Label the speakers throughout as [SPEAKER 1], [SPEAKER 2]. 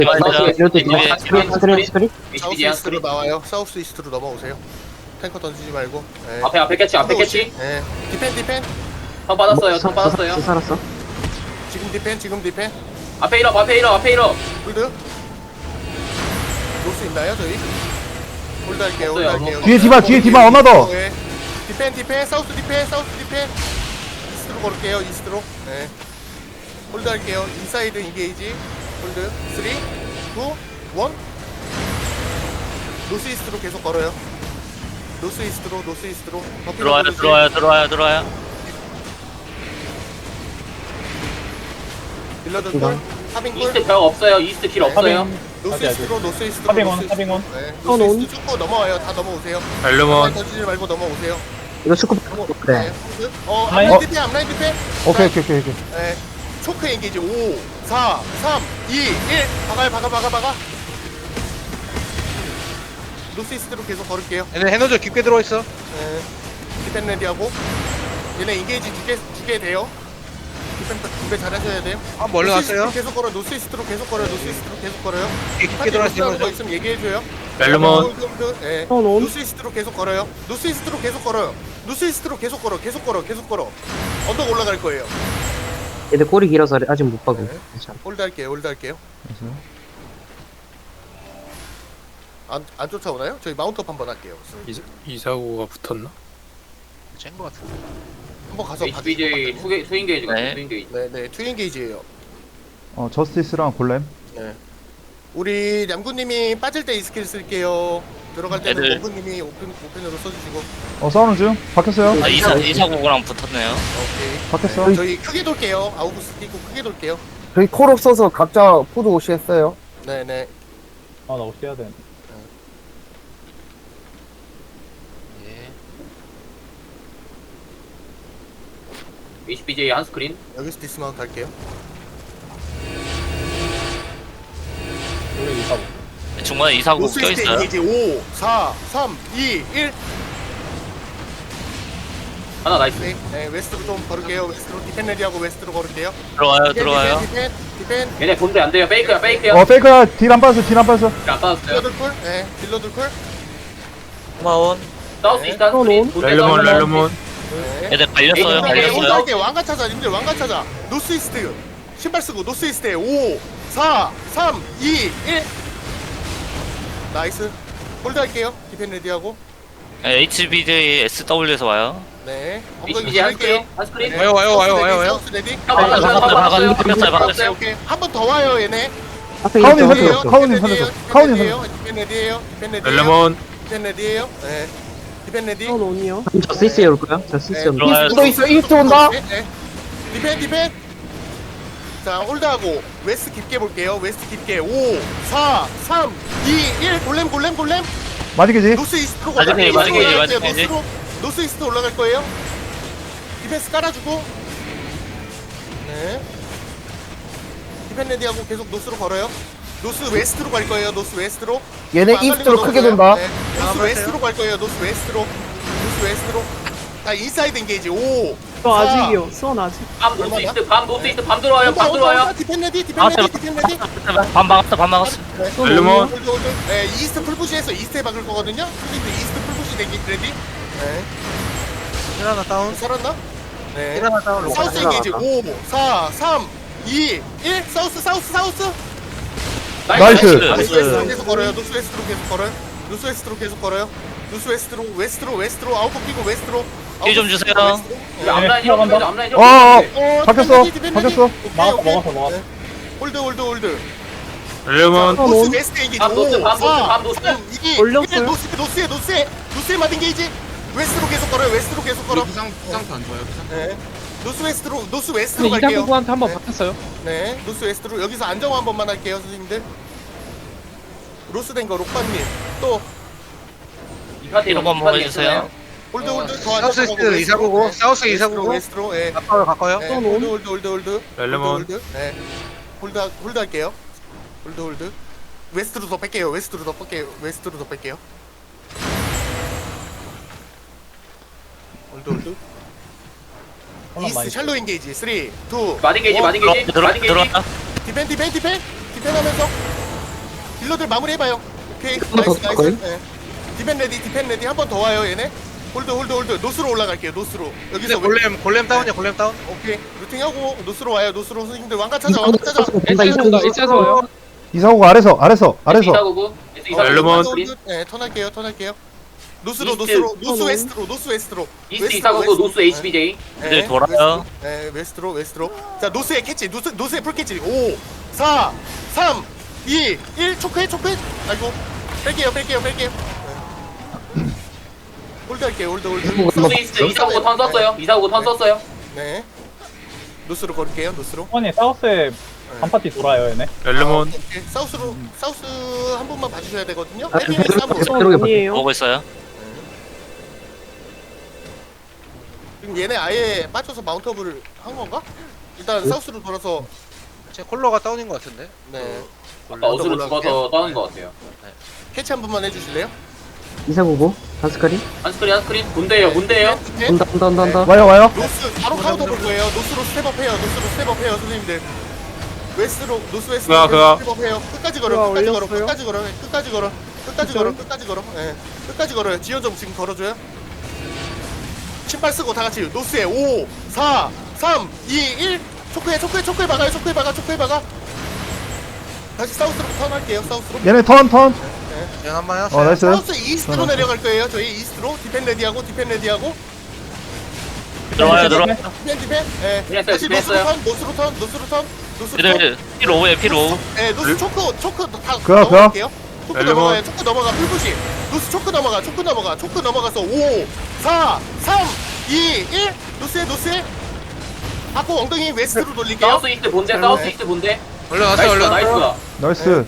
[SPEAKER 1] 사우스 이스트로 나와요. 사우스 이스트로 넘어오세요. 탱커 던지지 말고. 네.
[SPEAKER 2] 앞에 캐치 앞에 캐치.
[SPEAKER 1] 네. 디펜.
[SPEAKER 2] 턴 받았어요. 턴 받았어요.
[SPEAKER 3] 살았어.
[SPEAKER 1] 지금 디펜.
[SPEAKER 2] 앞에 일어.
[SPEAKER 1] 홀드. 놓을 수 있나요 저희? 홀드 할게요.
[SPEAKER 4] 뒤에 디바 얼마 더?
[SPEAKER 1] 네. 디펜. 사우스 디펜. 이스트로 걸을게요. 이스트로. 네. 홀드 할게요. 인사이드 인게이지. 홀드. 3, 2, 1. 노스 이스트로 계속 걸어요. 노스 이스트로.
[SPEAKER 5] 들어와요.
[SPEAKER 1] 빌러드 콜. 하빙 콜.
[SPEAKER 2] 이스트 벽 없어요. 이스트 길 없어요.
[SPEAKER 1] 노스 이스트로.
[SPEAKER 6] 하빙원.
[SPEAKER 1] 네. 노스 이스트 축구 넘어와요. 다 넘어오세요.
[SPEAKER 5] 렐름온.
[SPEAKER 1] 던지지 말고 넘어오세요.
[SPEAKER 3] 이거 축구 그래.
[SPEAKER 1] 홀드. 앞라인 디펜.
[SPEAKER 4] 오케이.
[SPEAKER 1] 네. 초크 엔게이지 5, 4, 3, 2, 1. 박아. 노스 이스트로 계속 걸을게요.
[SPEAKER 6] 얘네 해노저 깊게 들어있어.
[SPEAKER 1] 네. 디펜 레디하고. 얘네 인게이지 두 개 돼요. 디펜 두개 잘하셔야 돼요.
[SPEAKER 6] 아 멀리
[SPEAKER 1] 노스 이스트로
[SPEAKER 6] 갔어요.
[SPEAKER 1] 계속 걸어. 노스 이스트로 계속 걸어요.
[SPEAKER 6] 깊게 들어있어.
[SPEAKER 1] 거 있으면 얘기해줘요.
[SPEAKER 5] 렐름온.
[SPEAKER 1] 네.
[SPEAKER 3] 온.
[SPEAKER 1] 노스 이스트로 계속 걸어요. 노스 이스트로 계속 걸어. 언덕 올라갈 거예요.
[SPEAKER 3] 얘들 꼬리 길어서 아직 못 박고.
[SPEAKER 1] 네. 홀드 할게요. 안 쫓아오나요? 저희 마운트업 한번 할게요.
[SPEAKER 7] 이사고가 붙었나?
[SPEAKER 6] 쨘거 같은데.
[SPEAKER 1] 한번 가서
[SPEAKER 2] HBJ 투인 게이지 같아. 투인 게이지.
[SPEAKER 1] 네네 투인 게이지예요.
[SPEAKER 4] 저스티스랑 골렘.
[SPEAKER 1] 네. 우리 냠구님이 빠질 때 이 스킬 쓸게요. 들어갈 때는
[SPEAKER 5] 애들.
[SPEAKER 1] 몽구님이 오펜으로 써주시고.
[SPEAKER 4] 싸우는 중. 바뀌었어요.
[SPEAKER 5] 이사고랑 붙었네요.
[SPEAKER 1] 오케이.
[SPEAKER 4] 바뀌었어.
[SPEAKER 1] 네, 저희 크게 돌게요. 아우구스 끼고 크게 돌게요.
[SPEAKER 3] 저희 콜 없어서 각자 포드 오시 했어요.
[SPEAKER 1] 네네.
[SPEAKER 6] 아나 어떻게 해야 돼?
[SPEAKER 2] HBJ 한 스크린.
[SPEAKER 1] 여기서 디스마운트 할게요.
[SPEAKER 6] 우리 이사고.
[SPEAKER 5] 중간에 이사고
[SPEAKER 1] 노스 이스트
[SPEAKER 5] 껴있어요.
[SPEAKER 1] 이제 5, 4, 3, 2, 1.
[SPEAKER 2] 하나 나이스.
[SPEAKER 1] 네, 웨스트로 좀 걸을게요. 웨스트로 디펜 레디하고 웨스트로 걸을게요.
[SPEAKER 5] 들어와요.
[SPEAKER 1] 디펜.
[SPEAKER 2] 얘네 본대 안 돼요. 페이크야.
[SPEAKER 4] 페이크야. 딜 안 빠졌어.
[SPEAKER 2] 안 빠졌어요.
[SPEAKER 1] 딜러들 콜. 네, 딜러들 콜.
[SPEAKER 5] 고마운.
[SPEAKER 2] 사우스 이스트 한 스크린.
[SPEAKER 5] 렐름온.
[SPEAKER 1] 네.
[SPEAKER 5] 얘들 갈렸어요.
[SPEAKER 1] 오케이, 왕관 찾아, 님들 왕관 찾아. 노스 이스트. 신발 쓰고 노스 이스트에 5, 4, 3, 2, 1. 나이스. 홀드 할게요. 디펜 레디하고.
[SPEAKER 5] HBJ SW에서 와요.
[SPEAKER 1] 네.
[SPEAKER 2] HBJ 한 스크린.
[SPEAKER 1] 네.
[SPEAKER 6] 와요.
[SPEAKER 1] 사우스 레디.
[SPEAKER 5] 박았어요.
[SPEAKER 1] 오케이, 오케이. 한 번 더 와요, 얘네.
[SPEAKER 4] 카운님
[SPEAKER 1] 레디예요,
[SPEAKER 4] 살렸어. 카운님
[SPEAKER 1] 디펜
[SPEAKER 4] 살렸어.
[SPEAKER 1] 레디예요,
[SPEAKER 4] 카운님
[SPEAKER 1] 디펜
[SPEAKER 4] 살렸어.
[SPEAKER 1] 레디예요. 디펜 레디예요.
[SPEAKER 5] 렐름온.
[SPEAKER 1] 디펜 레디예요. 네. 디펜 레디.
[SPEAKER 3] 저스티스에 올 거야? 저스티스에 올 거야?
[SPEAKER 5] 들어와요.
[SPEAKER 3] 이스트 온다.
[SPEAKER 1] 네. 디펜. 자, 홀드하고 웨스트 깊게 볼게요. 웨스트 깊게 5, 4, 3, 2, 1. 골렘.
[SPEAKER 4] 맞이게지.
[SPEAKER 1] 노스 이스트로
[SPEAKER 5] 맞이게지,
[SPEAKER 1] 올라갈
[SPEAKER 5] 맞이게지.
[SPEAKER 1] 거예요. 노스 이스트 올라갈 거예요. 디펜스 깔아주고. 네. 디펜 레디하고 계속 노스로 걸어요. 노스 웨스트로 갈 거예요. 노스 웨스트로.
[SPEAKER 3] 얘네 이스트로 크게 돈다.
[SPEAKER 1] 네. 노스 웨스트로 갈 거예요. 노스 웨스트로. 자, 인사이드 인게이지 5.
[SPEAKER 8] 저 아직이요. 수원 아직.
[SPEAKER 2] 밤 노스 이스트. 밤 들어와요.
[SPEAKER 1] 디펜 레디.
[SPEAKER 5] 반 막았어.
[SPEAKER 7] 렐름온.
[SPEAKER 1] 네, 이스트 풀푸시해서 이스트에 박을 거거든요. 선생님들 이스트 풀푸시 되기 레디. 네.
[SPEAKER 6] 하나 다운.
[SPEAKER 1] 살았나? 네.
[SPEAKER 6] 하나 다운.
[SPEAKER 1] 사우스 인게이지 5, 4, 3, 2, 1. 사우스.
[SPEAKER 4] 나이스.
[SPEAKER 1] 노스 웨스트로 계속 걸어요. 노스 웨스트로 아웃포 끼고 웨스트로.
[SPEAKER 5] 힐좀 주세요.
[SPEAKER 2] 앞라인 앞라인.
[SPEAKER 4] 바뀌었어.
[SPEAKER 6] 먹었어.
[SPEAKER 1] 홀드.
[SPEAKER 7] 렐름온.
[SPEAKER 1] 노스 웨스트 인게이지
[SPEAKER 2] 밤 노스,
[SPEAKER 1] 5,
[SPEAKER 2] 밤
[SPEAKER 1] 4,
[SPEAKER 2] 노스.
[SPEAKER 1] 3, 2,
[SPEAKER 8] 올렸어요?
[SPEAKER 1] 노스에 맞은 게이지. 웨스트로 계속 걸어요.
[SPEAKER 7] 상태 안 좋아요.
[SPEAKER 1] 네. 노스 웨스트로 갈게요.
[SPEAKER 6] 이사구구한테 한번
[SPEAKER 1] 네.
[SPEAKER 6] 바꿨어요.
[SPEAKER 1] 네, 노스 웨스트로 여기서 안정화 한 번만 할게요, 선생님들. 로스 된거 록바님 또
[SPEAKER 5] 이런 거 한번 해주세요.
[SPEAKER 1] 홀드 더
[SPEAKER 6] 사우스
[SPEAKER 1] 안정화하고
[SPEAKER 6] 이스트 이사구고. 사우스 이사구고.
[SPEAKER 1] 웨스트로 예.
[SPEAKER 6] 가까워요.
[SPEAKER 1] 네, 홀드.
[SPEAKER 7] 렐름온.
[SPEAKER 1] 네. 홀드 할게요. 홀드. 웨스트로 더 뺄게요. 홀드. 이스트 샬로 인게이지 3, 2.
[SPEAKER 2] 마딩 게이지.
[SPEAKER 5] 들어와.
[SPEAKER 1] 디펜 하면서 딜러들 마무리 해봐요. 오케이.
[SPEAKER 3] 한번 더
[SPEAKER 1] 나이스 나이스.
[SPEAKER 3] 거의?
[SPEAKER 1] 네. 디펜 레디 한 번 더 와요 얘네. 홀드 노스로 올라갈게요. 노스로.
[SPEAKER 6] 근데
[SPEAKER 1] 여기서
[SPEAKER 6] 골렘 다운이야 골렘 다운.
[SPEAKER 1] 오케이. 루팅하고 노스로 와요. 노스로 선생님들 왕관 찾아. 왕관 찾아.
[SPEAKER 3] 본다 이쪽.
[SPEAKER 4] 이사구가 아래서
[SPEAKER 2] 이사구구.
[SPEAKER 7] 렐레몬.
[SPEAKER 1] 네, 턴할게요. 노스로
[SPEAKER 2] 이스트.
[SPEAKER 1] 노스 웨스트로.
[SPEAKER 2] 이스트 이사구구 노스 HBJ.
[SPEAKER 5] 네, 돌아요.
[SPEAKER 1] 웨스트로. 자, 노스에 캐치. 노스에 풀 캐치. 5 4 3 2 1 초크해. 아이고. 뺄게요. 네. 홀드 할게요. 홀드.
[SPEAKER 2] 노스 이스트 이사구구 턴 썼어요.
[SPEAKER 1] 네. 노스로 걸을게요. 노스로.
[SPEAKER 6] 아니 사우스에 한 파티 돌아요 얘네.
[SPEAKER 7] 렐레몬.
[SPEAKER 1] 오케이. 사우스 한 분만 봐주셔야 되거든요.
[SPEAKER 3] 아,
[SPEAKER 1] 헤비는 싸움.
[SPEAKER 3] 그러게 봐.
[SPEAKER 5] 보고 있어요.
[SPEAKER 1] 지금 얘네 아예 빠져서 마운트업을 한 건가? 일단 사우스로 돌아서
[SPEAKER 6] 제 콜러가 다운인 것 같은데.
[SPEAKER 1] 네.
[SPEAKER 2] 아까 어스로 죽어서 떠는 것 같아요.
[SPEAKER 1] 캐치 한 번만 해주실래요?
[SPEAKER 3] 이사구고 한스카리.
[SPEAKER 2] 한스크린. 문대예요.
[SPEAKER 1] 네.
[SPEAKER 3] 온다.
[SPEAKER 4] 와요.
[SPEAKER 1] 노스 바로 카운터 볼 거예요. 노스로 스텝업해요. 선생님들. 노스 웨스트로 스텝업해요. 끝까지 걸어. 예. 끝까지 걸어요. 지연 좀 지금 걸어줘요. 신발 쓰고 다 같이 노스에 5 4 3 2 1 초크에 박아. 다시 사우스로 턴할게요. 사우스로.
[SPEAKER 4] 얘네 턴.
[SPEAKER 6] 연 한번 해요.
[SPEAKER 4] 나이스.
[SPEAKER 1] 사우스 이스트로 내려갈 거예요. 저희 이스트로 디펜 레디하고.
[SPEAKER 5] 들어와요.
[SPEAKER 1] 디펜. 예.
[SPEAKER 2] 디펜
[SPEAKER 1] 다시
[SPEAKER 2] 했어요.
[SPEAKER 1] 노스로 턴.
[SPEAKER 5] 얘들 P5에요.
[SPEAKER 1] 예, 노스 초크 다
[SPEAKER 4] 그야.
[SPEAKER 1] 넘어갈게요. 초크
[SPEAKER 7] 렐레몬.
[SPEAKER 1] 넘어가요. 초크 넘어가. 풀부시. 노스 초크 넘어가서 5 4 3 2 1 노스에 하고 엉덩이 웨스트로 돌릴게요.
[SPEAKER 2] 사우스 이스트 본대.
[SPEAKER 6] 올라가세요.
[SPEAKER 2] 나이스가.
[SPEAKER 4] 나이스.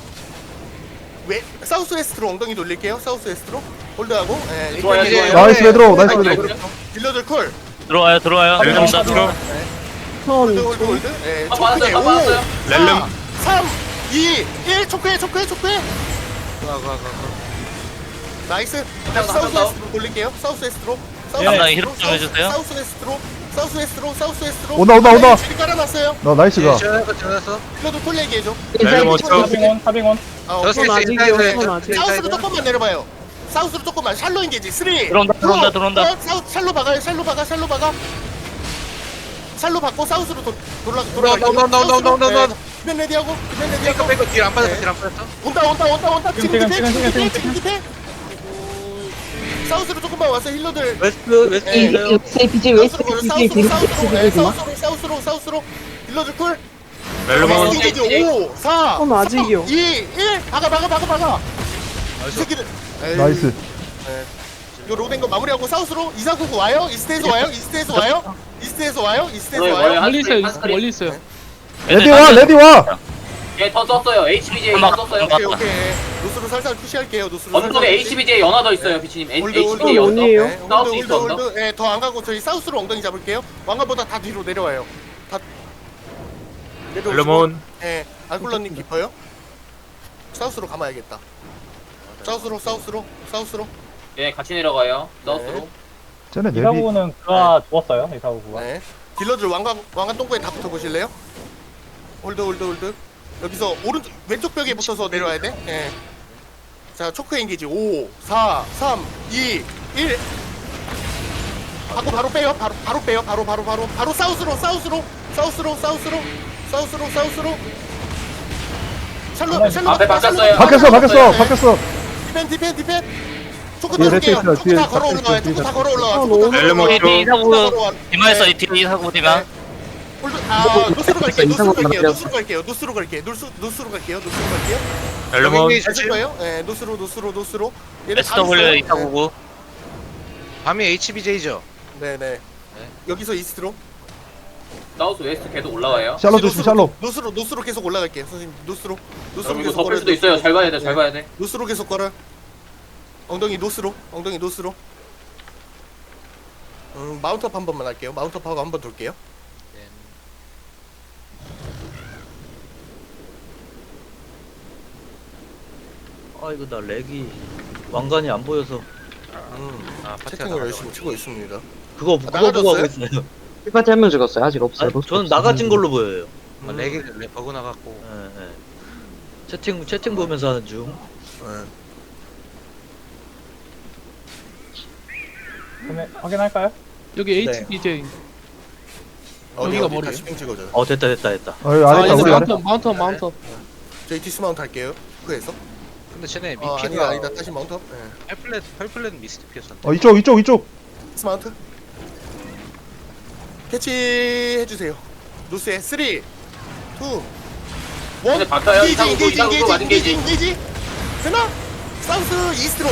[SPEAKER 1] 사우스 웨스트로 엉덩이 돌릴게요. 사우스 웨스트로 홀드하고. 예,
[SPEAKER 2] 좋아요.
[SPEAKER 4] 나이스 베드로.
[SPEAKER 1] 딜러들 콜.
[SPEAKER 5] 들어와요.
[SPEAKER 7] 렐레몬.
[SPEAKER 1] 홀드. 예, 초크에
[SPEAKER 2] 받았어요.
[SPEAKER 1] 5
[SPEAKER 7] 렐레몬.
[SPEAKER 1] 3 2 1 초크해. 나이스. 다시 사우스 웨스트로 돌릴게요. 사우스 웨스트로.
[SPEAKER 5] 감당이 히로 좀 해주세요.
[SPEAKER 1] 사우스 웨스트로.
[SPEAKER 4] 온다.
[SPEAKER 1] 줄이 깔아놨어요.
[SPEAKER 4] 나 나이스가.
[SPEAKER 6] 지원했어.
[SPEAKER 1] 딜러들 콜 얘기해줘.
[SPEAKER 7] 렐레몬.
[SPEAKER 6] 하빙원.
[SPEAKER 1] 아, 오케이.
[SPEAKER 6] 저스 아직이요.
[SPEAKER 1] 사우스로 조금만 내려봐요. 사우스로 조금만. 샬로 인게지. 3
[SPEAKER 5] 들어온다.
[SPEAKER 1] 샬로 박아요. 샬로 박아. 샬로 받고 사우스로 돌아.
[SPEAKER 6] 나온다.
[SPEAKER 1] 디펜 레디하고.
[SPEAKER 6] 빼고 딜안 빠졌어.
[SPEAKER 1] 네.
[SPEAKER 6] 딜안 빠졌어.
[SPEAKER 1] 온다. 지금
[SPEAKER 6] 지금.
[SPEAKER 1] 디펜. 사우스로 조금만 와서 힐러들.
[SPEAKER 6] 웨스트
[SPEAKER 1] 사우스로. 힐러들 쿨.
[SPEAKER 7] 렐레몬.
[SPEAKER 1] 인게지. 5 4 아직이요. 2 1 박아. 이 새끼들.
[SPEAKER 4] 나이스.
[SPEAKER 1] 이거 로된 거 마무리하고 사우스로 이사구구 와요? 이스트에서 와요?
[SPEAKER 2] 멀리 있어요.
[SPEAKER 4] 레디 와.
[SPEAKER 2] 얘턴 썼어요. HBJ 턴 썼어요.
[SPEAKER 1] 오케이. 노스로 살살 푸시할게요.
[SPEAKER 2] 언덕에 HBJ 연하 더 있어요. 비치님. HBJ 언덕. 사우스 이스트 언덕.
[SPEAKER 1] 홀드. 더 안 가고 저희 사우스로 엉덩이 잡을게요. 왕관보다 다 뒤로 내려와요. 다 내려오시고.
[SPEAKER 7] 렐레몬.
[SPEAKER 1] 예, 알콜라님 깊어요? 사우스로 감아야겠다. 사우스로.
[SPEAKER 2] 예, 같이 내려가요. 사우스로.
[SPEAKER 4] 쟤네 내비.
[SPEAKER 6] 이사구는 그가 죽었어요. 이사구가.
[SPEAKER 1] 네. 딜러들 왕관 똥꼬에 다 붙어 보실래요? 홀드. 여기서 왼쪽 벽에 붙어서 내려와야 돼. 예. 자, 초크 엔게이지. 5 4 3 2 1 하고 바로 빼요. 바로 사우스로. 샬로.
[SPEAKER 2] 앞에 바꿨어요.
[SPEAKER 4] 바뀌었어.
[SPEAKER 1] 디펜. 초크
[SPEAKER 4] 뒤에
[SPEAKER 1] 다 줄게요.
[SPEAKER 4] 레트 있어요.
[SPEAKER 1] 초크 다 걸어 올라와요.
[SPEAKER 7] 렐레몬.
[SPEAKER 5] 이사구 디마에서 이사구 디마.
[SPEAKER 1] 노스로 갈게요.
[SPEAKER 7] 렐레몬.
[SPEAKER 1] 가실 거예요? 네, 노스로. 얘네 다
[SPEAKER 5] SW
[SPEAKER 1] 있어요.
[SPEAKER 5] 이사구고.
[SPEAKER 6] 밤이 HBJ죠.
[SPEAKER 1] 네. 여기서 이스트로.
[SPEAKER 2] 사우스 웨스트 계속 올라가요.
[SPEAKER 4] 샬로 조심.
[SPEAKER 1] 노스로 계속 올라갈게요. 선생님, 노스로
[SPEAKER 2] 여러분 이거
[SPEAKER 1] 계속
[SPEAKER 2] 덮을 수도 있어요. 잘 봐야 돼.
[SPEAKER 1] 노스로 계속 걸어. 엉덩이 노스로. 마운트업 한 번만 할게요. 마운트업하고 한 번 돌게요.
[SPEAKER 8] 아 이거 나 렉이 왕관이 안 보여서
[SPEAKER 1] 채팅을 열심히 치고 있습니다.
[SPEAKER 8] 그거 보고 하고
[SPEAKER 1] 나가졌어요?
[SPEAKER 8] 있어요.
[SPEAKER 3] 끝까지 한명 죽었어요. 아직 없어요.
[SPEAKER 8] 저는 나가진 걸로 보여요.
[SPEAKER 6] 렉이 버그 나갔고.
[SPEAKER 8] 예. 채팅 보면서 하는 중.
[SPEAKER 6] 확인할까요?
[SPEAKER 9] 여기
[SPEAKER 8] 네.
[SPEAKER 9] HBJ.
[SPEAKER 1] 어디가
[SPEAKER 9] 여기가
[SPEAKER 1] 머리
[SPEAKER 9] 머리예요?
[SPEAKER 1] 다시 핑 찍어줘.
[SPEAKER 8] 됐다.
[SPEAKER 4] 아래
[SPEAKER 9] 아,
[SPEAKER 4] 있다
[SPEAKER 9] 얘네
[SPEAKER 4] 우리 아래.
[SPEAKER 9] 마운터.
[SPEAKER 1] 저희 디스마운트 할게요. 그에서.
[SPEAKER 6] 근데 쟤네
[SPEAKER 1] 아니다
[SPEAKER 6] 미피가
[SPEAKER 1] 아니다 다시 마운트. 네.
[SPEAKER 6] 펄플렛 미스트피였었는데.
[SPEAKER 4] 이쪽.
[SPEAKER 1] 디스마운트. 캐치 해주세요. 노스에 3, 2, 1.
[SPEAKER 2] 근데 바꿔요. 이상구구 맞은 게이지.
[SPEAKER 1] 인게이지. 되나? 사우스 이스트로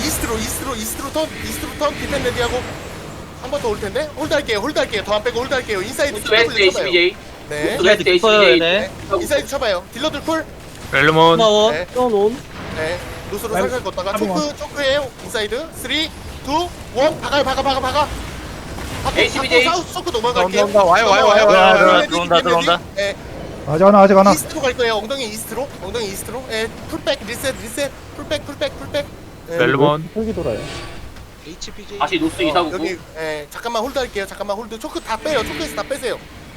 [SPEAKER 1] 턴 디펜 레디하고 한 번 더 올 텐데 홀드 할게요. 더 안 빼고 홀드 할게요. 인사이드
[SPEAKER 2] 노스 웨스트 HBJ.
[SPEAKER 1] 네.
[SPEAKER 2] 노스 웨스트
[SPEAKER 8] 깊어요,
[SPEAKER 2] HBJ.
[SPEAKER 8] 얘네.
[SPEAKER 1] 인사이드 쳐봐요. 딜러들 쿨.
[SPEAKER 7] 렐르몬
[SPEAKER 8] 고마워.
[SPEAKER 1] 네. 네. 노스로 살살 걷다가 초크에요. 인사이드 3, 2, 1 박아.
[SPEAKER 2] HBJ.
[SPEAKER 1] 사우스 초크 넘어갈게요.
[SPEAKER 6] 온다. 와요.
[SPEAKER 5] 들어온다.
[SPEAKER 1] 네.
[SPEAKER 4] 아직 하나.
[SPEAKER 1] 이스트로 갈 거예요. 엉덩이 이스트로. 예, 풀백 리셋. 풀백. 예.
[SPEAKER 7] 렐르몬
[SPEAKER 6] HBJ.
[SPEAKER 2] 다시 노스 이사구구.
[SPEAKER 1] 여기 예, 잠깐만 홀드 할게요. 홀드. 초크 다 빼요. 초크에서 다 빼세요.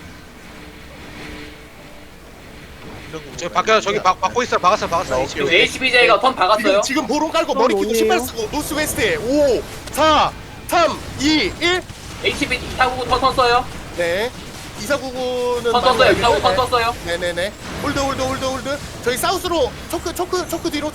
[SPEAKER 6] 저 밖에 저기 막고 있어. 막았어.
[SPEAKER 2] 지금 HBJ가 턴 박았어요.
[SPEAKER 1] 지금 보름 깔고 머리 끼고 신발 쓰고 노스 웨스트에 5, 4, 3, 2, 1.
[SPEAKER 2] HBJ 이사구구 턴 써요.
[SPEAKER 1] 네. 2499는
[SPEAKER 2] 턴 썼어요. 이사구구 턴 썼어요.
[SPEAKER 1] 네네네. 홀드. 저희 사우스로 초크 뒤로.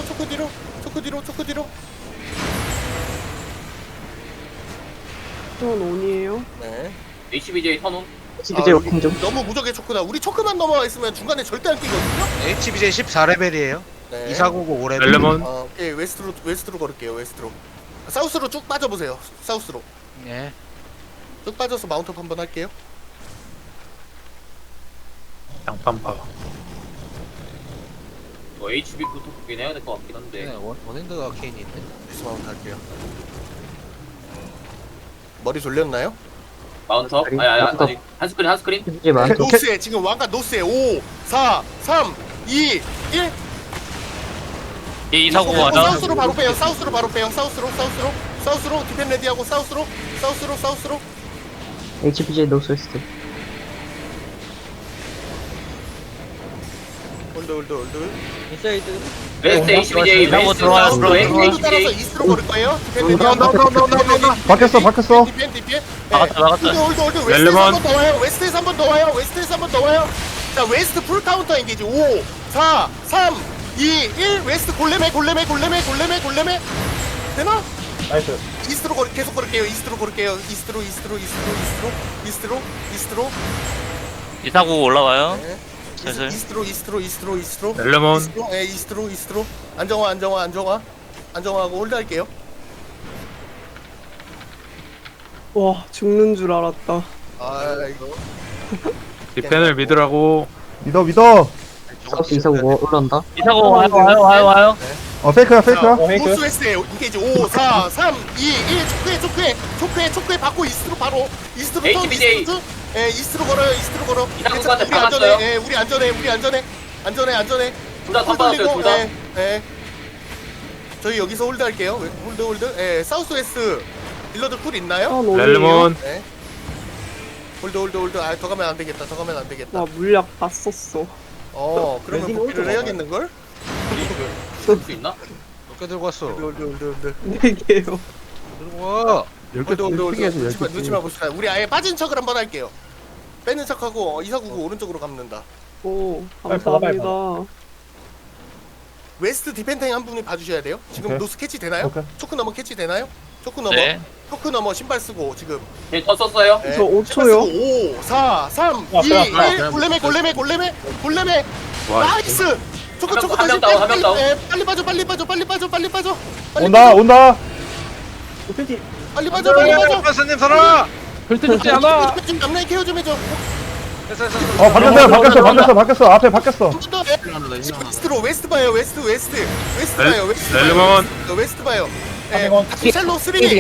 [SPEAKER 9] 턴 온이에요.
[SPEAKER 1] 네.
[SPEAKER 2] HBJ 턴온.
[SPEAKER 3] HBJ
[SPEAKER 1] 여기
[SPEAKER 3] 워킹 좀.
[SPEAKER 1] 너무 무적의 초크다. 우리 초크만 넘어가 있으면 중간에 절대 안 끼거든요.
[SPEAKER 6] HBJ 14레벨이에요.
[SPEAKER 1] 네.
[SPEAKER 6] 2499 5레벨.
[SPEAKER 7] 렐르몬
[SPEAKER 1] 예, 웨스트로 걸을게요. 웨스트로. 사우스로 쭉 빠져보세요. 사우스로.
[SPEAKER 6] 예.
[SPEAKER 1] 쭉 빠져서 마운트업 한번 할게요.
[SPEAKER 7] 양판파
[SPEAKER 2] HB부터 보긴 해야 될 것 같긴 한데.
[SPEAKER 6] 네, 원핸드가 케인이 있네.
[SPEAKER 1] 디스마운트 할게요. 머리 돌렸나요?
[SPEAKER 2] 마운터? 아직 한 스크린.
[SPEAKER 3] HBJ 많아.
[SPEAKER 1] 노스에 지금 왕관 노스에 5, 4, 3, 2, 1.
[SPEAKER 5] 이사구구 와요.
[SPEAKER 1] 사우스로 바로 빼요. 사우스로 디펜 레디하고 사우스로.
[SPEAKER 3] HBJ 노스웨스트.
[SPEAKER 1] 홀드.
[SPEAKER 8] 인사이드.
[SPEAKER 2] 웨스트 HBJ.
[SPEAKER 5] 이사구구
[SPEAKER 2] 웨스트
[SPEAKER 5] 들어와요.
[SPEAKER 2] 사우스로
[SPEAKER 1] 홀드 따라서
[SPEAKER 2] HBJ.
[SPEAKER 1] 이스트로 걸을 거예요. 디펜 레디.
[SPEAKER 4] 바뀌었어.
[SPEAKER 1] 디펜.
[SPEAKER 5] 막았다.
[SPEAKER 1] 홀드.
[SPEAKER 7] 렐르몬.
[SPEAKER 1] 웨스트에서 한 번 더 와요. 자, 웨스트 풀 카운터 엔게이지. 5, 4, 3, 2, 1. 웨스트 골렘에. 되나?
[SPEAKER 6] 나이스.
[SPEAKER 1] 이스트로 계속 걸을게요. 이스트로.
[SPEAKER 5] 이사구구 올라와요.
[SPEAKER 1] 네.
[SPEAKER 5] 슬슬.
[SPEAKER 1] 이스트로.
[SPEAKER 7] 렐르몬
[SPEAKER 1] 이스트로. 안정화하고 홀드 할게요.
[SPEAKER 9] 와 죽는 줄 알았다.
[SPEAKER 1] 아, 이거.
[SPEAKER 7] 디펜을 믿으라고
[SPEAKER 4] 믿어.
[SPEAKER 3] 사우스 249 올라온다.
[SPEAKER 5] 이사구구 와요.
[SPEAKER 4] 페이크야.
[SPEAKER 1] 노스 웨스트에 인게이지 5, 4, 3, 2, 1. 초크에 받고 이스트로 바로. 이스트로 턴.
[SPEAKER 2] HBJ.
[SPEAKER 1] 예, 이스트로 걸어요.
[SPEAKER 2] 이사구구한테
[SPEAKER 1] 우리 안전해.
[SPEAKER 2] 박았어요.
[SPEAKER 1] 예, 우리 안전해.
[SPEAKER 2] 둘다 턴 받았어요. 둘 다.
[SPEAKER 1] 예. 저희 여기서 홀드 할게요. 홀드. 예, 사우스 웨스트 딜러들 쿨 있나요?
[SPEAKER 9] 턴 온이에요.
[SPEAKER 7] 렐르몬
[SPEAKER 1] 네. 홀드. 아, 더 가면 안 되겠다.
[SPEAKER 9] 나 물약 다 썼어.
[SPEAKER 1] 그러면
[SPEAKER 6] 랜딩
[SPEAKER 1] 복귀를
[SPEAKER 6] 홀드
[SPEAKER 1] 해야겠는걸?
[SPEAKER 2] 쓸 수 있나?
[SPEAKER 6] 몇개 들고 왔어?
[SPEAKER 1] 홀드.
[SPEAKER 9] 4개요.
[SPEAKER 6] 들고 와.
[SPEAKER 1] 홀드. 눈치만 봅시다. 우리 아예 빠진 척을 한번 할게요. 빼는 척하고 2499 오른쪽으로 감는다.
[SPEAKER 9] 오 감사합니다.
[SPEAKER 1] 웨스트 디펜탱 한 분이 봐주셔야 돼요. 지금
[SPEAKER 4] 오케이.
[SPEAKER 1] 노스 캐치 되나요?
[SPEAKER 4] 오케이.
[SPEAKER 1] 초크 넘어 캐치 되나요? 초크 넘어.
[SPEAKER 5] 네.
[SPEAKER 1] 초크 넘어 신발 쓰고 지금.
[SPEAKER 2] 네, 턴 썼어요.
[SPEAKER 1] 네,
[SPEAKER 9] 저 5초요.
[SPEAKER 1] 5, 4, 3, 2, 1. 골렘에.
[SPEAKER 7] 와
[SPEAKER 1] 나이스. 초크
[SPEAKER 2] 한 명 다운, 한 명 다운.
[SPEAKER 1] 빨리 빠져.
[SPEAKER 4] 온다.
[SPEAKER 1] 빨리 빠져.
[SPEAKER 6] 박사님 살아.
[SPEAKER 9] 절대 죽지 않아.
[SPEAKER 1] 좀 앞라인 케어 좀 해줘.
[SPEAKER 6] 됐어.
[SPEAKER 4] 바뀌었어. 앞에 바뀌었어.
[SPEAKER 1] 한 번 더. 이스트로 웨스트 봐요. 웨스트 봐요.
[SPEAKER 7] 렐르몬
[SPEAKER 1] 웨스트 봐요. 예. 다시 샬로 3, 2, 1.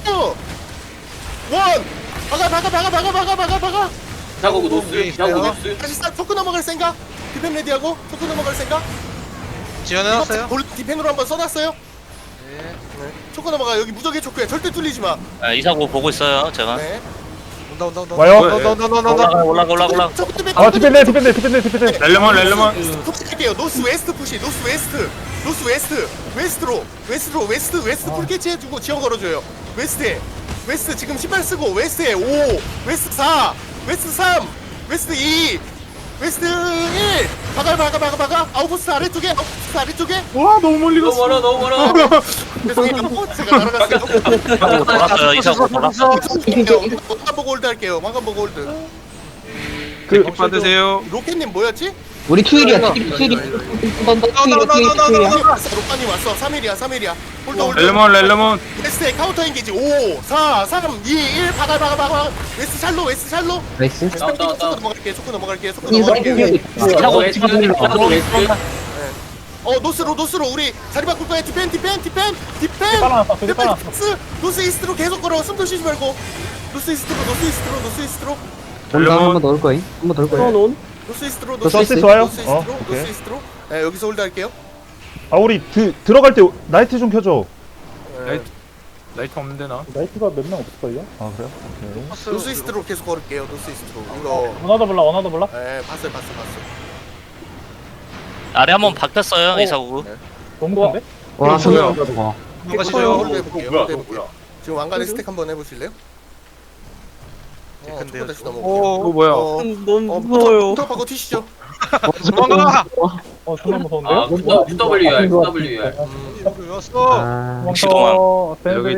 [SPEAKER 1] 박아.
[SPEAKER 2] 이사구구 노스. 이사구구 노스.
[SPEAKER 1] 다시 초크 넘어갈 생각. 디펜 레디하고 초크 넘어갈 생각.
[SPEAKER 6] 지원해놨어요?
[SPEAKER 1] 디펜으로 한번 써놨어요.
[SPEAKER 6] 네.
[SPEAKER 1] 초크 넘어가. 여기 무적의 초크야. 절대 뚫리지 마.
[SPEAKER 5] 이사구구 보고 있어요. 제가.
[SPEAKER 1] 네.
[SPEAKER 6] 온다.
[SPEAKER 4] 와요.
[SPEAKER 5] 올라가.
[SPEAKER 4] 아 디펜드.
[SPEAKER 7] 렐르몬.
[SPEAKER 1] 푸시할게요. 노스 웨스트 푸시. 노스 웨스트. 웨스트 풀캐치 해주고 지원 걸어줘요. 웨스트 지금 신발 쓰고 웨스트에 5, 웨스트 4, 웨스트 3, 웨스트 2, 웨스트 1. 박아. 아웃포스트 아래쪽에.
[SPEAKER 7] 와 너무 멀리
[SPEAKER 2] 너무 멀어 너무 멀어.
[SPEAKER 1] 죄송해요. 제가 날아갔어요.
[SPEAKER 5] 돌았어요. 이사고 돌았어.
[SPEAKER 1] 왕관 보고 홀드 할게요.
[SPEAKER 4] 그
[SPEAKER 7] 받으세요.
[SPEAKER 1] 로켓님 뭐였지?
[SPEAKER 3] 우리 투일이야 투일이
[SPEAKER 1] 로켓님 왔어. 3일이야. 홀드.
[SPEAKER 7] 렐르몬.
[SPEAKER 1] 웨스트에 카운터 엔게이지 5, 4, 3, 2, 1. 박아. 웨스트 샬로.
[SPEAKER 3] 나이스
[SPEAKER 1] 초크 넘어갈게요.
[SPEAKER 2] 이사고 웨스트.
[SPEAKER 1] 노스로 우리 자리 바꿀 거야. 디펜. 노스 이스트로 계속 걸어. 숨도 쉬지 말고. 노스 이스트로.
[SPEAKER 3] 한번 넣을 거임
[SPEAKER 1] 노스 이스트로.
[SPEAKER 4] 서스이스 와요? 오케이.
[SPEAKER 1] 노스 이스트로. 네, 여기서 홀드 할게요.
[SPEAKER 4] 아 우리 들어갈 때 나이트 좀 켜줘.
[SPEAKER 7] 라이트 없는데 나.
[SPEAKER 4] 나이트가 몇 명 없을걸요? 아 그래요? 오케이.
[SPEAKER 1] 노스 이스트로 계속 걸을게요. 노스 이스트로. 이거.
[SPEAKER 4] 원하다 몰라?
[SPEAKER 1] 네, 봤어요.
[SPEAKER 5] 아래 한번 바뀌었어요. 이사고.
[SPEAKER 4] 너무 큰데?
[SPEAKER 3] 와
[SPEAKER 7] 뭐야?
[SPEAKER 6] 가시죠.
[SPEAKER 1] 홀드 해볼게요. 지금 왕관의 스택 한번 해보실래요?
[SPEAKER 6] 근데요,
[SPEAKER 1] 다시
[SPEAKER 6] 저거.
[SPEAKER 1] 넘어오고.
[SPEAKER 7] 오 뭐야?
[SPEAKER 9] 너무 무서워요.
[SPEAKER 1] 부터 튀시죠.
[SPEAKER 6] 도망가.
[SPEAKER 4] 정말 무서운데요?
[SPEAKER 2] WR.
[SPEAKER 6] 왔어.
[SPEAKER 3] 아
[SPEAKER 5] 시동함.
[SPEAKER 7] 여기